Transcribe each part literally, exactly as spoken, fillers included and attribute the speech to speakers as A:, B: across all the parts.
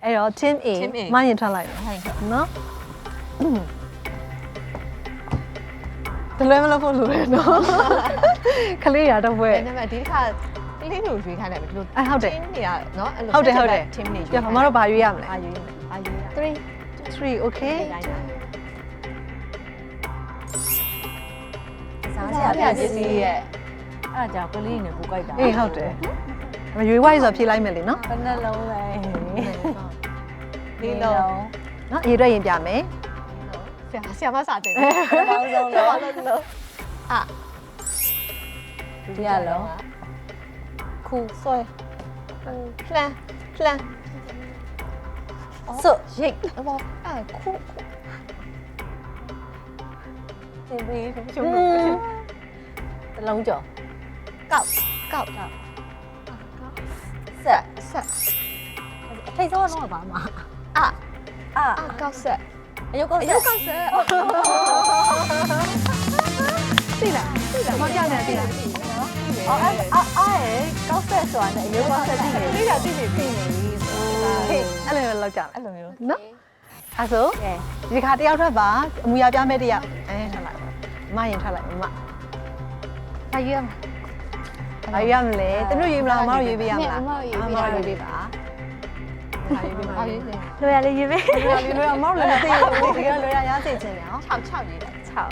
A: အဲ့တော့ team A မရင်ထွက်လိုက်နော်တလွဲမလို့ဖို့လိုတယ်နော်ခလေးရတော့ဘွဲ
B: ဒါပေမဲ့ဒီတစ်ခါကလေးမျိုးရွေးခိုင်းတယ်ဘယ်လို
A: အဲဟုတ်တယ်
B: team တွေကနော်အဲ့လို
A: ဟုတ်တယ်ဟုတ်တယ်
B: team တွေရွေး
A: ပြမတို့ဘာရွေးရမလဲ
B: အာရွေးမယ်အာရွေးရ
A: three three okay
B: စားစရာပစ္စည်းရဲ့
C: အဲ့ဒါကြောင့်ကလေးနဲ့ကိုကြိုက်တာ
A: အေးဟုတ်တယ်ရွေးဝိုင်းဆိုဖြေလိုက်မယ်လေနော်
C: ဘယ်နှလုံးလဲ
B: လေးလုံး
A: နော်အေးတော့ရင်ပြမယ်
B: ဆရာဆရာမစားတယ်
C: ပေါင်းဆုံးလုံး
B: လုံးလုံးအာ
C: ဒီရလုံး
B: ခူဆွဲလှမ်းလှမ်း
C: စွတ်ရိတ်
B: ဘောအာခူ
C: တင်ပြီးရှုံးတလုံးကျော်
B: ကောက်ကောက်ကောက်
C: ဆက်
B: ဆက်
C: အထိတ်ဆုံးတော့ပါမှာ
B: အာ
C: အာ
B: အာကောက်ဆက်
C: အယုတ်ကောက်
B: အ
C: ဆက်
B: ယုတ်ကောက်ဆက်
A: သိလားသိလားမပြနဲ့သိလား
C: အော်အဲ့အာအဲ့ကောက်ဆက်ဆိုတာနဲ့အယုတ်ကောက်ဆက်ကြည့်နေ
B: လေးတာသိနေပြီ
A: ဟေးအဲ့လိုလောက်ကြလား
B: အဲ့လိုမျိုး
A: နော်အဲ့ဆို
C: ကဲ
A: ဒီခါတယောက်ထွက်ပါအမူအရာပြမဲ့တယောက်အဲထွက်လိုက်မရင်ထွက်လိုက်မဘာရွေးရမလဲဘာရွေးရမလဲတနုရွေးမလားမတို့ရွေးပေးရမလားမတို့ရွေးပေးပါဘာရွေးပေးပါ
B: အာရွေးနေ
C: လွယ်ရလေးရွေးပေး
A: လွယ်လွယ်မတို့လည်းမသိဘူးဒီကလွယ်ရရသိချင်တယ်နော်
B: 6 6ရေးတယ်6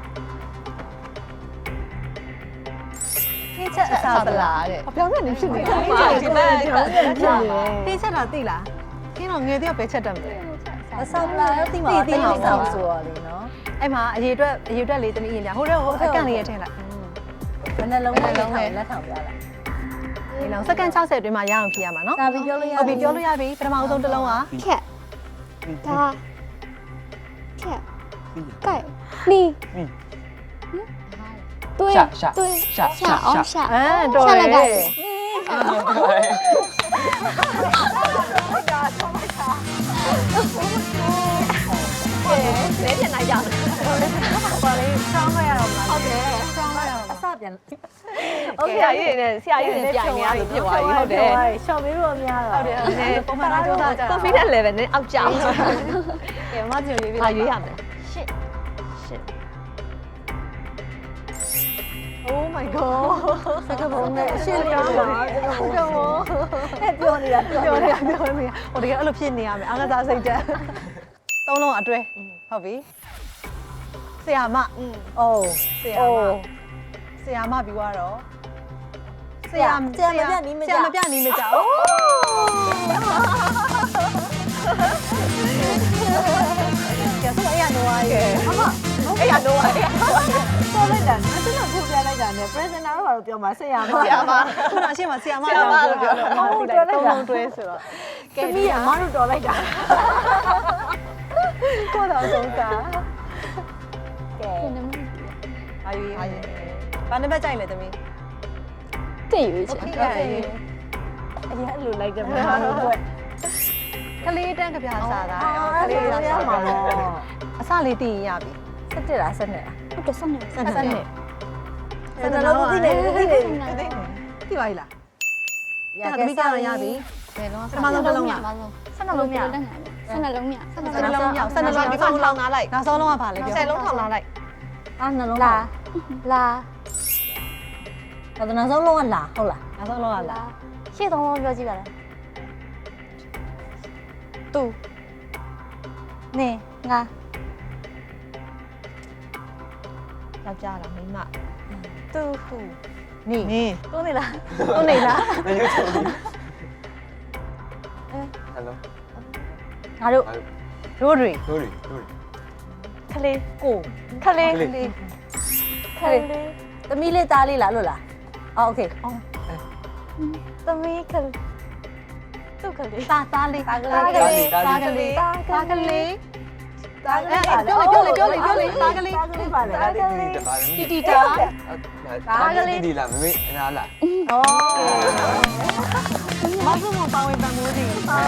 A: ထိချက်အစားပလားတဲ့
B: အပြောင်းနေဖြစ်နေတယ်
A: ထိချက်ဒီမဲ့ထိချက်တာသိလားခင်းတော့ငယ်တယောက်ပဲချက်တတ်မယ်
C: အဆောက်လာတော့တိမှာတိမှာဆောက်ဆိုရလေနော်
A: အဲ့မှာအရေအတွက်အရေအတွက်လေးတနည်းရင်ပြဟိုတော့ဟိုအကန့်လေးရထည့်လိုက်
C: ဘယ်နှလုံးလဲလုံးလဲလက်ထောင်ပြလိုက်
A: ဒီလောက်စက္ကန့်၆၀အတွင်းမှာရအောင်ဖြေရမှာနော်
C: ဒါပြီးပြောလို့ရ
A: ဟုတ်ပြီပြောလို့ရပြီပထမဆုံးတစ်လုံးက
D: cat ဒါcat 盖你对对下哦下
A: အဲတော်
D: 下
A: တ
D: 来
A: ယ်
D: 盖
B: လဲပြန်လိုက်ကြတယ်
A: ပါလေဆောင်းလိုက်ရတော့မလား
B: ဟုတ်တယ်
A: ဆောင်းလိုက်ရတော့
C: အစပြန်
B: โอเคဆရာကြီးနဲ့ဆရာကြီးနဲ့ပြိုင်နေရလို့ဖြစ်သွားပြီဟုတ်တယ်
C: ရှော့ပြီးတော့များတော့
A: ဟုတ်တယ်နည်းပုံမှန်တော့ကြိုးစားကြတာ
B: confidence level နဲ့အောက်ကျအောင်
A: ကဲမမကြည့်ရွေးပြီ
B: ဘာရွေးရမလဲ
C: ရှစ်
A: Oh my god
C: စကပုံနဲ့ရှစ်ပြောတာစကပုံအဲ့ပြောနေတာပြော
A: ပြော
C: နေ
A: နေရပြောနေရဟိုတကယ်အဲ့လိုဖြစ်နေရမယ်အားကစားစိတ်တက်သုံးလုံးအတွဲဟုတ်ပြီဆရာမ
C: အိုး
A: ဆရာမဆရာမပြီးတော့ဆရာဆရာမပြနီးမကြအိုးကဲဆိုအဲ့ရတော့ရေအမ
B: အဲ့ရတော့အဲ့ရ
C: ပေါ်လိုက်တာအဲ့ဒါကိုပြလိုက်တာနဲ့ presenter တော့ပြောမှာဆရာမ
B: ဆရာမ
A: ခုနရှင်းမှာဆရာမကြောင့်ပြောပြောလို့ဟုတ်တယ်သုံးလုံးတွဲဆိုတော့
C: ကဲမီးအမတို့တော်လိုက်တာ
A: ကိုတော့ဆုံးတာ
C: ကဲ
A: အာယူရေးဘာနံပါတ်ကြိုက်လဲသမီး
D: 这有一钱
A: ကဲ
C: အရင်အဲ့လိုလိုက်တယ်မမတို့က
A: ကလေးတန်းကပြားစားတာ
C: ကလေးရရမှာတော့
A: အစလေးတည်ရင်ရပြီ
C: စက်တက်လားစက်နဲ့လား
D: 我这三年
A: စနစ်စနစ်
C: စက်လုံးသိနေသိနေ
A: သိပါလား
C: ရ
A: ဒါ
C: ကဲ
A: သမီးကြောင်ရပြီ
B: ဘယ်လုံး
A: ပထမဆုံးတစ်လုံးက
D: 三年龙面，三年龙面，三
A: စနစ်လုံးမြောက်စနစ်လုံး
B: ဒီ
A: ဒီ
B: ကောင်
A: ကောင်
B: လော
A: လော
B: င်
A: င်
B: နာလိုက်
A: နောက်ဆုံးလုံးကဘာလဲပြော
B: ဆယ်လုံးထောင်လာလိုက်
C: အာနှလုံး
D: 拉拉
C: တော့နောက်ဆုံးလုံးကလာဟုတ်လား
A: နောက်ဆုံးလုံးကလား
D: 谢东东标记来了，
A: သူ
D: 你俺
B: ယောက်ျားလားမိန်းမ
A: သူဟုနေ
B: နေ
C: တွန်းနေလား
A: သူနေလား
E: 没有手机。Hello，
C: ငါတို့
A: ရိုးရီ
E: Lori Lori。
C: ခလေး
A: ကို
C: ခလေး
E: ခလေး
C: ခလေးသမီးလေးသားလေးလားလို့လားအော်โอเคသမီးခလေးသူ့ခလေး
A: သားသားလေး
C: သားကလေး
A: သားကလေးသားကလေးသားကလေးပြောလေပြောလေပြောလေပြောလေသားကလေး
C: သားကလေးပါလေ
E: ဒါလေးဒီတပါ
A: တီတီတာ
E: ဒါလေးဒီလာမမေအနာလား
C: ဩ
A: မဆုမပါဝင်ပန်မိုးခြင်းကဲအဲ့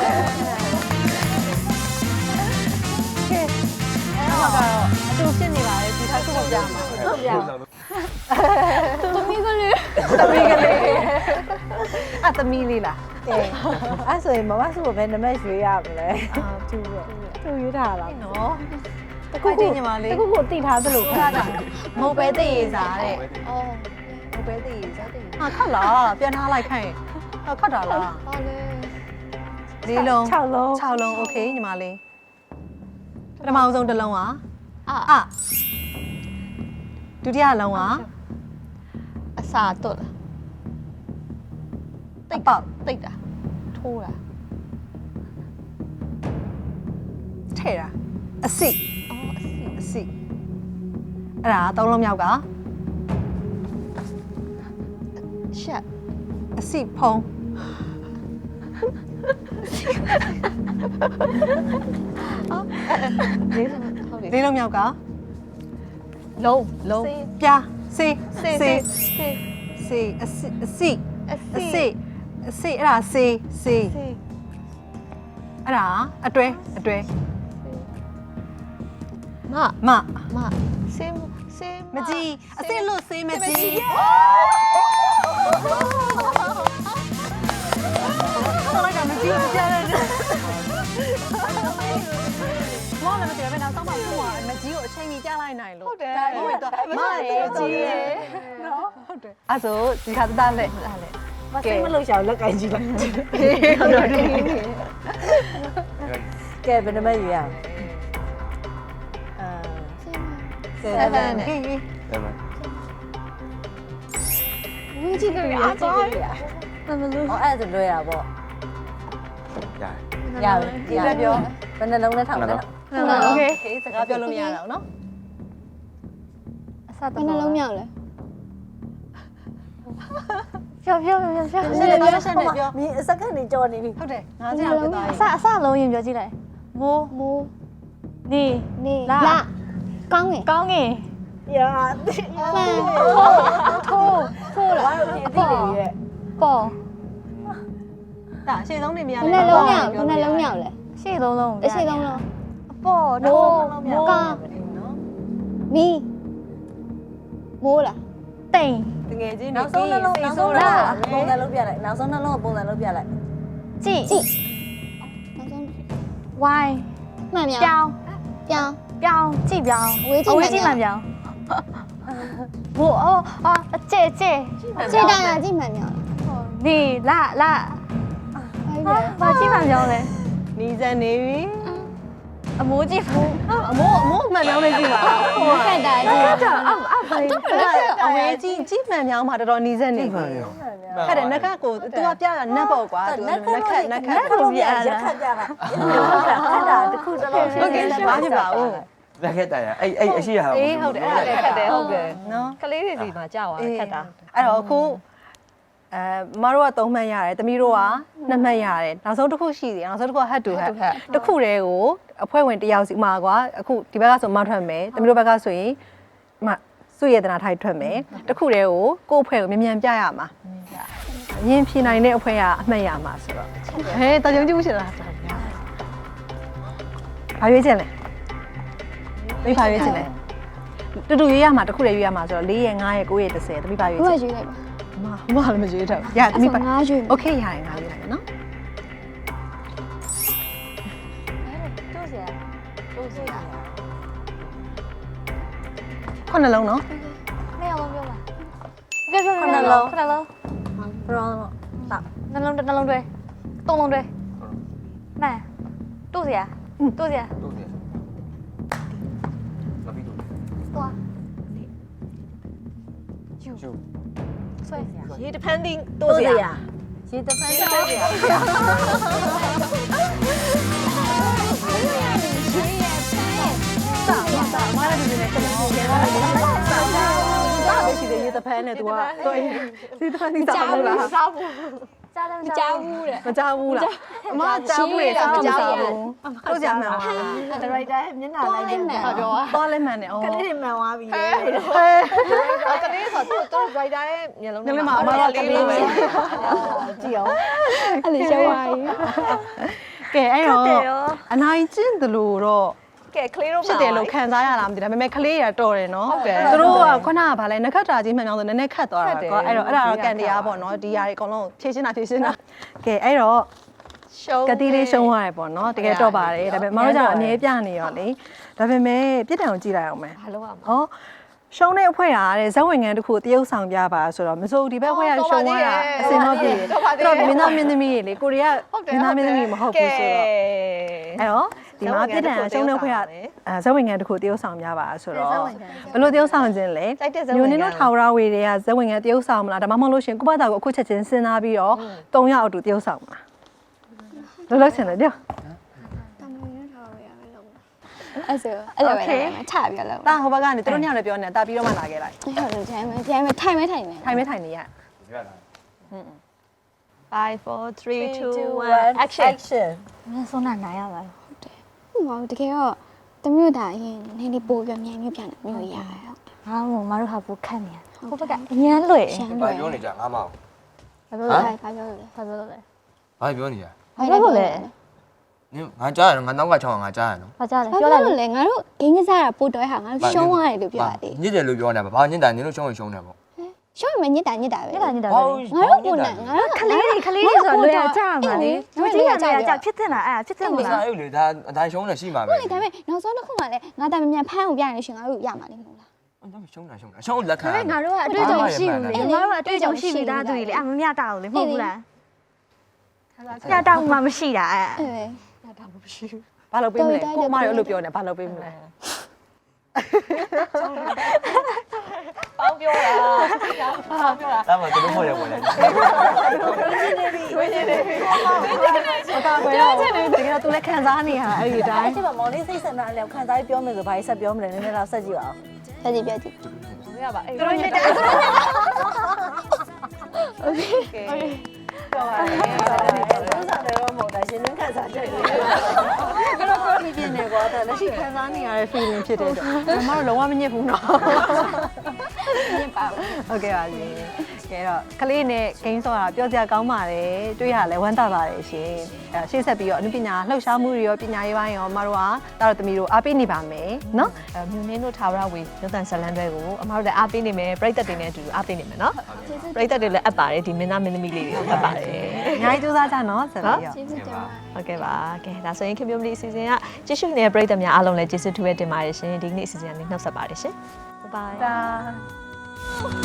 A: မှာကတော့အတူဖြစ်နေပါလေဒီခါခုမပြမှာ
C: ဟုတ်ပြ
D: သမီးကလေး
A: သမီးကလေးအသမီးလေးလား
C: ကဲအဲ့ဆိုရင်မမစုကိုဘယ်နမဲရွေးရမလဲ
A: အာသူပဲ
C: သူရွေးထားတာ
A: နော်
C: တခုခု
A: ညီမလေး
C: တခုခုတိထားသလိုခါတာ
A: မဟုတ်ပဲသိရစားတဲ့
D: အော်
A: မဟုတ်ပဲသိရစားတဲ့ဟာခတ်လားပြန်ထားလိုက်ခိုင်းဟာခတ်တာလား
D: ဟောလေ
A: လေးလုံး
C: ၆လုံး
A: ၆လုံးโอเคညီမလေးပထမအောင်ဆုံးတစ်လုံးอ่ะ
D: အာ
A: အာဒုတိယလုံးอ่ะ
D: အစာတွတ်လား
A: တိတ်ပေါက်
D: တိတ်တာထိုးတာ
A: ထဲ့တာအစိ
D: အော်အစီ
A: အစိအဲ့ဒါသုံးလုံးမြောက်က
D: ရှက်
A: အစိဖုံး
D: လေးဆုံးဟုတ်ပြီ
A: လေးလုံးမြောက်က
D: လုံး
A: လုံးပြားစေး
D: စေး
A: စေး
D: စေး
A: စေးအစိအစိ
D: အ
A: အ
D: စီ
A: စိအစိအဲ့ဒါစေးစေး
D: စေး
A: အဲ့ဒါအတွဲအတွဲ
D: မ
A: မ
D: မစေးစေး
A: မကြီးအစိလို့စေးမကြီးဟုတ်လားကမကြီးကိုကြားရတယ်မောင်လည်းမသိဘူးနောက်ဆုံးမှကိုကမကြီးကိုအချိန်ကြီးကြားလိုက်နိုင်လို့ဟုတ်တယ်ဟုတ်တယ်မရေကြီးရယ်နော်ဟုတ်တယ်အဲ့ဆိုဒီခါသားလက်သားလက်
C: မစိတ်မလို့ရှောင်လက်ကင်ကြည့်လိုက်
A: ဟုတ်တယ်
C: ကဲဘယ်နမဲရွေးရအောင်အာ
A: seven ဟေး
E: တယ်မ
D: ဝီကြီးကရအားပါမမလို့
C: ဟောအဲ့ဒါလွယ်တာပေါ့
E: ရတယ်
C: ရပြီ
A: ဒီလက်ပြော
C: ဘယ်နှလုံးနဲ့ထောက်လဲ
A: โอเคစကားပြောလို့မရတော့နော်
D: အစာဘယ်နှလုံးမြောက်လဲပြောပြောပြောပြော
A: ဆက်လက်ပြောဆက်လက်ပြော
C: မင်းစက္ကန့်နေကြော်နေပြီ
A: ဟုတ်တယ်ငါးစရာဖြစ်သွားပြီ
D: အစအစလုံးရင်ပြောကြည့်လိုက်မိုးမိုးနေနေလာကောင်းငယ်ကောင်းငယ်
C: ရာ
D: မှန်ထိုးထိုးလာ
C: ဘာလို့ဒီအတိတွေရဲ့
D: ပေါ်
A: ဒါအရှိဆုံးနေမရ
D: ဘယ်နှလုံးမြောက်ဘယ်နှလုံးမြောက်လဲရှေ့သုံးလုံးအရှေ့သုံးလုံးအပေါ်ထိုးကောင်း
A: နော်
D: မီမိုးလာတိန်
A: တကယ်ချင်း
C: နောက်ဆုံးနှလုံးနောက်ဆုံးနှလုံးပုံစံလုံးပြလိုက်နောက်ဆုံးနှလုံးပုံစံလုံးပြလိုက်
D: ကြည့်ကြည့်နောက်ဆုံးဝိုင်းမှန်မြောက်ပြောင်းပြောင်းပြောင်းကြည့်ပြောင်းအဝေးကြည့်မှန်ပြောင်းဘိုးအော်အော်အကျဲကျဲကျဲတာကြည့်မှန်မြောက်နေလာလာဘာကြည့်မှန်ပြောင်းလဲ
A: နီးစံနေပြီ
D: အမိုးကြည့်ဘူး
A: အမိုးအမိုးမှန်ပြောင်းနေကြည့်ပါ
D: ဟိုခက်တာကြည့်အောက်အောက်ပါ
A: အဝေးကြီးကြီးမှန်ပြောင်းမှာတော်တော်နီးစံနေပြီခက်တယ်နက်ခတ်ကို तू ကပြတာနက်ပေါ့ကွာ तू နက်ခတ်နက်ခတ်
C: ကိုပြရက်ခတ်ပြတာခတ်တာတခုတလုံး
A: ဟုတ်ကဲ့ဘာဖြစ်ပါဦး
E: လက်ခက်တာရအဲ့အဲ့အရှိရဟာ
A: အေးဟုတ်တယ်အဲ့ဒါခက်တယ်ဟုတ်တယ်နော်
B: ကလေးတွေစီမှာကြာသွားခက်တာ
A: အဲ့တော့အခုအဲမတို့ကသုံးမှတ်ရတယ်တမီးတို့ကနှစ်မှတ်ရတယ်နောက်ဆုံးတစ်ခုရှိသေးတယ်နောက်ဆုံးတစ်ခုက head to head တစ်ခုတည်းကိုအဖွဲ့ဝင်တစ်ယောက်စီမှာကွာအခုဒီဘက်ကဆိုမထွက်မယ်တမီးတို့ဘက်ကဆိုရင်မစုရတနာထိုက်ထွက်မယ်တစ်ခုတည်းကိုကိုယ့်အဖွဲ့ကိုမြန်မြန်ပြရမှာအရင်ဖြေနိုင်တဲ့အဖွဲ့ကအမှတ်ရမှာဆိုတော့ဟဲတော်ကြုံကြည့်ရှင်လားဘာရွေးချင်လဲမိဘာရွေးချင်လဲတူတူရွေးရမှာတစ်ခုတည်းရွေးရမှာဆိုတော့၄ရယ်၅ရယ်၉ရယ်၁၀တမီးဘာရွေး
D: ဘ
A: ချ
D: ယ်
A: င်
D: ရွေးလိုက်ပါ
A: မမလည်းမရွေးတော့ရတမီးဘာ
D: ငါရွေး
A: โอเคရတယ်ငါရွေးလိုက်မယ်နော်
C: တို့စရာတို့စရာ
A: ခုနှလုံးနော်
D: နှစ်ယောက်လုံးပြောပါပြောပြော
C: ခဏလုံး
D: ခဏလုံး
C: ဘရောင်းတော့
D: နှလုံးနှလုံးတွဲသုံးလုံးတွဲမှန်တို့စရာတို့စရာ
E: တို့တယ်လာပြီးတို့
D: သွား
E: ယူ
D: ဆွဲ
B: ရေ depending
C: တို့
B: တို့
C: စ
B: စ
C: ရာ
B: ရာ
C: ရေတဖန်တို့စရာ
A: မလည်းဒီနေ့ကတော့ပြန်လာတယ်စားပဲရှိတယ်ရေတဖန်နဲ့ तू ကတော့ရေတဖန်นี่စားဘူးလား
D: စားဘူးကြားတယ်မကြားဘူးတဲ့
A: မကြောက်ဘူးလားအမကြောက်ဘူးလေစားမကြောက်ဘူးတို့ကြမှာ
C: ဒါရိုက်တာမျက်နှာလိုက်တယ်
D: မှန်ပြော
A: သွားလဲမှန်တယ်ဩ
C: ကလေးတွေမှန်သွားပြီလေ
B: ကလေးဆိုတော့သူတို့ writer ရဲ့မျက်လုံး
A: ညနေမှာအမကကလေးပဲ
C: ကြည့်အောင်
D: အဲ့လေရှောက်ပါကြီး
A: ကဲအဲ့တော့အနိုင်ကျင့်တယ်လို့တော့
B: ကဲကလေးတို့
A: ဖြစ်တယ်လို့ခံစားရလားမသိဒါပေမဲ့ကလေးရတော်တယ်နော်
B: ဟုတ်တယ်
A: သူတို့ကခုနကဗာလဲနခတ်တာကြီးမှန်အောင်ဆိုနည်းနည်းခတ်သွားတာကွာအဲ့တော့အဲ့ဒါတော့ကန်တရားပေါ့နော်ဒီຢာတွေအကုန်လုံးဖြည့်ရှင်းတာဖြည့်ရှင်းတာကဲအဲ့တော့
B: ရှုံး
A: ကတိလေးရှုံးသွားတယ်ပေါ့နော်တကယ်တော့ပါတယ်ဒါပေမဲ့မတို့ကျတော့အမြဲပြနေရောလေဒါပေမဲ့ပြစ်ဒဏ်ကိုကြည့်လိုက်အောင်မယ်
B: ဘာလို့ရမလဲ
A: ဟောရှုံးတဲ့အဖွဲ့ကတဲ့ဇက်ဝင်ငန်းတစ်ခုတရုပ်ဆောင်ပြပါဆိုတော့မစိုးဒီဘက်အဖွဲ့ကရှုံးသွားတာအစင်တော့ပြည်တယ်တော့မင်းသားမင်းသမီးတွေလေကိုရီးယားမင်းသားမင်းသမီးမဟုတ်ဘူးဆိုတော့အဲ့တော့ဒီမှာပြစ်ဒဏ်ရှုံးတဲ့အဖွဲ့ကအဲဇက်ဝင်ငန်းတစ်ခုတရုပ်ဆောင်ပြပါဆိုတော့ဘယ်လိုတရုပ်ဆောင်ခြင်းလဲမျိုးနင်းတို့ထာဝရဝေတွေကဇက်ဝင်ငန်းတရုပ်ဆောင်မလားဒါမှမဟုတ်လို့ရှင်ကိုယ့်ဘာသာကိုအခုချက်ချင်းစဉ်းစားပြီးတော့၃ယောက်အတူတရုပ်ဆောင်မလားလောလောဆယ်လေကြော
D: အဲ့ဆိုအဲ့လိုပဲချပြလို့
A: တာဟိုဘက်ကနေသူတို့ညောင်လည်းပြောနေတာပြီးတော့မှလာခဲ့လိုက်
D: ဟုတ်တယ်ဂျမ်းမယ်ဂျမ်းမယ်ထိုင်မဲထိုင်မယ်
A: ထိုင်မဲထိုင်နေရ
B: five four three two one action
C: action
D: မင်းဆုံးတာနားရပါလားဟုတ်တယ်ဟုတ်ပါဘူးတကယ်တော့တမျိုးတာအရင်နည်းနည်းပို့ပြမြန်မျိုးပြန်တယ်မျိုးရရဟုတ်တယ်
C: ဟာမို့မတို့ဟာပိုခတ်နေဟိုဘက်ကအញ្ញမ်းလွယ်
D: ရှမ်း
E: ဘာ
D: တယ်
E: ပြောနေကြငါမောင်
C: ဘာလို့
D: ဘာ
C: လဲ
D: ဘာပြောလို့လဲ
C: ဘာလို့လဲ
E: ဘာပြောနေကြ
C: ဘာလို့လဲ
E: နင်ငါကြားရငါနောက်ကချောင်းငါကြားရနော်
C: ဘာကြလဲ
D: ပြော
C: ပြော
D: လို
C: လိုက် က်
D: လေငါတို့ဂိမ်းကစားတာပို့တော့ဟာငါတို့ရှုံးရတယ်လို့ပြောရတယ်
E: ညစ်တယ်လို့ပြောနေတာဘာညစ်တာနင်တို့ရှုံးရင်ရှုံးတယ်ပေါ့
D: ရှုံးရင်ညစ်တာညစ်တာပဲ
C: ညတာညတာပဲ
D: ငါတို့ပုံနဲ့ငါတို့
C: ခလေးတွေခလေးတွေဆိုတော့လွယ်ရကြမှာလေလူကြီးကလည်းကြဖြစ်တင်တာအဲ့ဖြစ်တင်မ
E: မ
C: လား
E: စားဘူးလေဒါအတိုင်းရှုံးနေရှိမှာပဲ
D: ဟုတ်လေဒါပေမဲ့နောက်ဆုံးတစ်ခုမှလည်းငါတာမြန်ဖမ်းအောင်ပြရနေရှင်ငါတို့ရမှာလေမဟုတ်လား
E: ဒါရှုံးတာရှုံးတာရှုံးလက်ခံ
C: ငါတို့ကအတွေ့အကြုံရှိဘူးလေငါတို့ကအတွေ့အကြုံရှိပြီးသားသူတွေလေအမမြတာဘူးလေမဟုတ်ဘူးလားညတာမှမရှိတာအဲ့
D: အေး
A: ဘာလုပ်ပေးမလဲကိုအမရောအဲ့လိုပြောနေဘာလုပ်ပေးမလဲ
B: ပေါင်းပြောတာပေါင်းပြောတာ
E: ဒါမှသူတို့ဖို့ရဝင်လေ
A: အကာကွယ်တော့တကယ်တော့သူလည်းခံစားနေရအဲ့ဒီတိုင်း
C: အဲ့ဒီမှာမော်လေးစိတ်ဆန္ဒလည်းခံစားပြောမယ်ဆိုဘာကြီးဆက်ပြောမလဲနည်းနည်းတော့ဆက်ကြည့်ပါဦး
D: ပြကြည့်ပြကြည့်
B: မရပါအဲ့
A: သူတို့ညစ်တယ်
B: โอเคပြောပါလေ
C: သူစားတယ်တော့မဟုတ်တာရှင်နှင်းခံစားချက်တွေ
A: ကတော့ကိုပြင်းနေကွာတဲ့လက်ရှိခံစားနေရတဲ့ feeling ဖြစ်တဲ့အတွက်မမတို့လုံးဝမညစ်ဘူးနော်
D: ညစ်ပါဘူး
A: ဟုတ်ကဲ့ပါရှင်ကဲတော့ကလေးနဲ့ဂိမ်းဆော့တာပြောစရာကောင်းပါတယ်တွေ့ရလဲဝမ်းသာပါတယ်ရှင်အဲရှေ့ဆက်ပြီးတော့အနုပညာလှုပ်ရှားမှုတွေရောပညာရေးပိုင်းရောမတို့ကတာတော်သမီးတို့အားပေးနေပါမယ်နော်
B: အဲမြူနင်းတို့ထာဝရဝေရုပ်သံဇလန်တွေကိုအမတို့လည်းအားပေးနေမယ်ပရိသတ်တွေနဲ့အတူအားပေးနေမယ်နော်ပရိသတ်တွေလည်းအပ်ပါတယ်ဒီမင်းသားမင်းသမီးလေးတွေကိုအပ်ပါတယ်
A: အများကြီးစူးစမ်းကြနော်ဆက်ပြီးတော့
D: ကျေးဇူးတင်ပါ
B: ဟုတ်ကဲ့ပါကဲဒါဆိုရင်ခင်ဗျမလီအစီအစဉ်ကကြည့်ရှုနေတဲ့ပရိသတ်များအားလုံးလည်းကျေးဇူးထူးပဲတင်ပါတယ်ရှင်ဒီနေ့အစီအစဉ်ကနေနှုတ်ဆက်ပါတယ်ရှင်
A: 拜拜。